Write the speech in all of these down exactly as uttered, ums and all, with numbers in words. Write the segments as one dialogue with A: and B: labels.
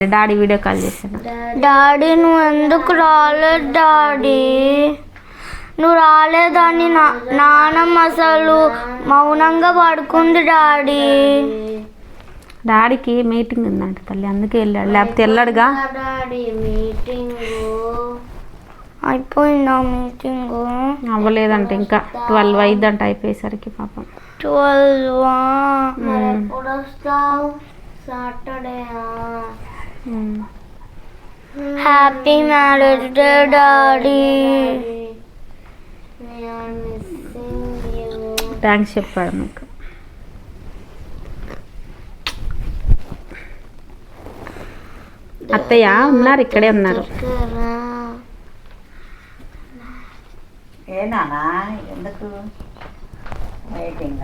A: Daddy video call చేశాను.
B: Daddy నువ్వు ఎందుకు రాలేదు డాడీ? నువ్వు రాలేదని నా నాన్నమ్మ అసలు మౌనంగా పడుకుంది డాడీ.
A: డాడీకి మీటింగ్ ఉందంట తల్లి, అందుకే వెళ్ళాడు, లేకపోతే వెళ్ళాడుగా.
B: డాడీ మీటింగ్ అయిపోయిందా? మీటింగ్
A: అవ్వలేదంట, ఇంకా ట్వెల్వ్ అయిద్దంట అయిపోయేసరికి. పాపం
B: ట్వెల్వ్ ఎప్పుడు వస్తావు? Saturday. Happy marriage day daddy.
A: Thanks చెప్పాడు మీకు. అత్తయ్య ఉన్నారు, ఇక్కడే ఉన్నారు.
C: ఏనా ఎందుకు వెయిటింగ్?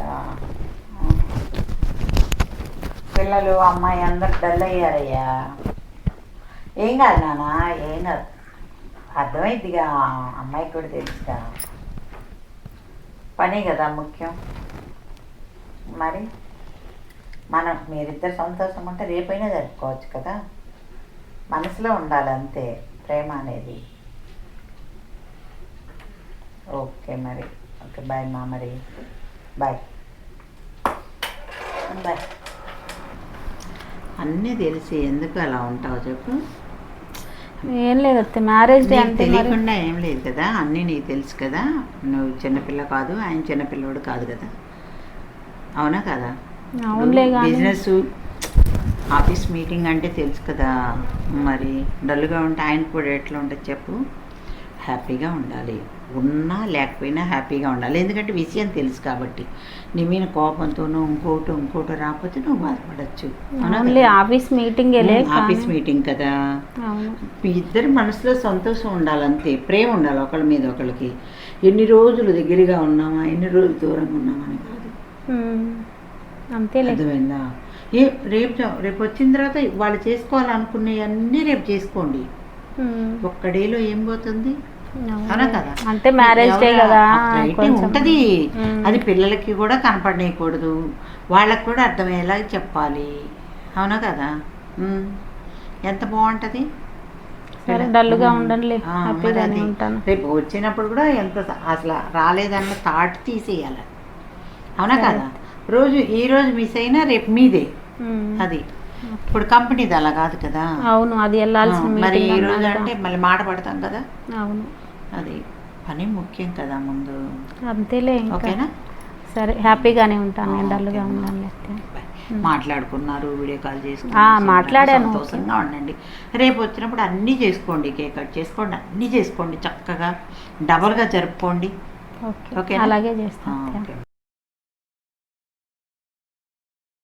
C: పిల్లలు అమ్మాయి అందరు డల్ అయ్యారయ్యా. ఏం కాదు నాన్న, ఏం కాదు, అర్థమైద్దిగా, అమ్మాయికి కూడా తెలుసుగా. పని కదా ముఖ్యం. మరి మనం మీరిద్దరు సంతోషం ఉంటే రేపైనా జరుపుకోవచ్చు కదా. మనసులో ఉండాలి అంతే ప్రేమ అనేది. ఓకే మరి, ఓకే బాయ్ మా, మరి బాయ్ బాయ్. అన్నీ తెలిసి ఎందుకు అలా ఉంటావు చెప్పు?
A: ఏం లేదు అత్త, మ్యారేజ్ డే అంటే
C: తెలియకుండా ఏం లేదు కదా, అన్నీ నీకు తెలుసు కదా. నువ్వు చిన్నపిల్ల కాదు, ఆయన చిన్నపిల్లవాడు కాదు కదా, అవునా కదా?
A: అవునులే.
C: బిజినెస్ ఆఫీస్ మీటింగ్ అంటే తెలుసు కదా. మరి డల్గా ఉంటే ఆయన కూడా ఎట్లా ఉంటుంది చెప్పు? హ్యాపీగా ఉండాలి, ఉన్నా లేకపోయినా హ్యాపీగా ఉండాలి. ఎందుకంటే విషయం తెలుసు కాబట్టి. నీ మీద కోపంతోనూ ఇంకోటి ఇంకోటి రాకపోతే నువ్వు బాధపడచ్చు.
A: ఆఫీస్ మీటింగ్
C: ఆఫీస్ మీటింగ్ కదా. మీ ఇద్దరి మనసులో సంతోషం ఉండాలంతే, ప్రేమ ఉండాలి ఒకళ్ళ మీద ఒకళ్ళకి. ఎన్ని రోజులు దగ్గరగా ఉన్నామా, ఎన్ని రోజులు దూరంగా ఉన్నామా అని కాదు,
A: అంతే.
C: అర్థమైందా? ఏ రేపు రేపు వచ్చిన తర్వాత వాళ్ళు చేసుకోవాలనుకునేవన్నీ రేపు చేసుకోండి. ఒక్క డేలో ఏం పోతుంది? అవునా కదా?
A: అంటే మ్యారేజ్ డే కదా
C: ఉంటది. అది పిల్లలకి కూడా కనపడనేయకూడదు, వాళ్ళకి కూడా అర్థమయ్యేలా చెప్పాలి, అవునా కదా? ఎంత బాగుంటది.
A: డల్గా ఉండండి,
C: రేపు వచ్చినప్పుడు కూడా ఎంత అసలు రాలేదన్న థాట్ తీసేయాలి, అవునా కదా? రోజు ఈ రోజు మిస్ అయినా రేపు మీదే. అది ఇప్పుడు కంపెనీది అలా కాదు కదా.
A: అవును, అది వెళ్ళాల్సిన.
C: మరి ఈ రోజు అంటే మళ్ళీ మాట పడతాం కదా.
A: అవును,
C: అది పని ముఖ్యం కదా ముందు.
A: అంతేలే.
C: ఓకేనా?
A: సరే, హ్యాపీగానే ఉంటాను నేను, డల్గా ఉన్నాను.
C: మాట్లాడుకున్నారు, వీడియో కాల్ చేసుకున్నారు,
A: మాట్లాడాను.
C: సంతోషంగా ఉండండి. రేపు వచ్చినప్పుడు అన్నీ చేసుకోండి, కేక్ కట్ చేసుకోండి, అన్నీ చేసుకోండి, చక్కగా డబల్గా జరుపుకోండి.
A: ఓకే, అలాగే చేస్తాను.